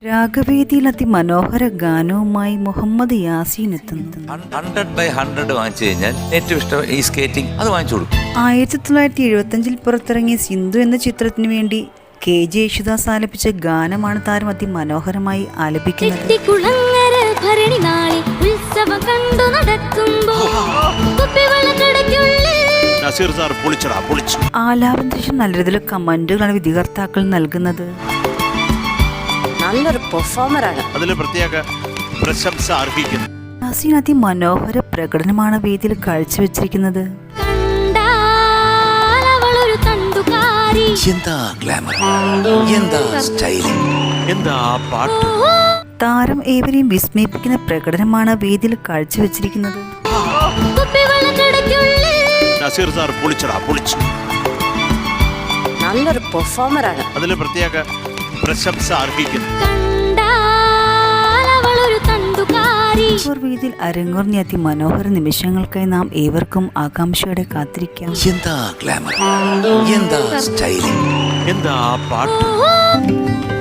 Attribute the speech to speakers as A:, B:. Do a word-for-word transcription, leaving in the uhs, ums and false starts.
A: രാഗവേദിയിൽ അതിമനോഹര ഗാനവുമായി മുഹമ്മദ് യാസീൻ എത്തുന്നു.
B: Hundred by hundred വാങ്ങിച്ചു കഴിഞ്ഞാൽ ഏറ്റവും ഇഷ്ടം ഈ സ്കേറ്റിംഗ്, അത് വാങ്ങിച്ചു കൊടുക്കും.
A: ആയിരത്തി തൊള്ളായിരത്തി എഴുപത്തി അഞ്ചിൽ പുറത്തിറങ്ങിയ സിന്ധു എന്ന ചിത്രത്തിനു വേണ്ടി കെ ജെ യേശുദാസ് ആലപിച്ച ഗാനമാണ് താരം അതിമനോഹരമായി ആലപിക്കുന്നത്. ആലാപന നല്ല രീതിയിലുള്ള കമന്റുകളാണ് വിധികർത്താക്കൾ നൽകുന്നത്.
C: നല്ലൊരു പെർഫോമറാണ്,
D: അതിന് പ്രത്യേക പ്രശംസ അർഹിക്കുന്നു.
A: യാസീൻ അതിമനോഹര പ്രകടനമാണ് വേദിയിൽ കാഴ്ചവെച്ചിരിക്കുന്നത്.
B: എന്താ ഗ്ലാമർ, എന്താ സ്റ്റൈലിംഗ്, എന്താ പാട്ട്.
A: താരം ഏവരെയും വിസ്മയിപ്പിക്കുന്ന പ്രകടനമാണ് വേദിയിൽ കാഴ്ചവെച്ചിരിക്കുന്നത്.
C: നല്ലൊരു പെർഫോമറാണ്,
D: അതിന് പ്രത്യേക പ്രശംസ അർഹിക്കുന്നു.
A: വേദിയിൽ അരങ്ങേറിയ അതിമനോഹര നിമിഷങ്ങൾക്കായി നാം ഏവർക്കും ആകാംക്ഷയോടെ കാത്തിരിക്കാം.
B: എന്താ ഗ്ലാമർ, എന്താ സ്റ്റൈലിംഗ്,
D: എന്താ പാട്ട്.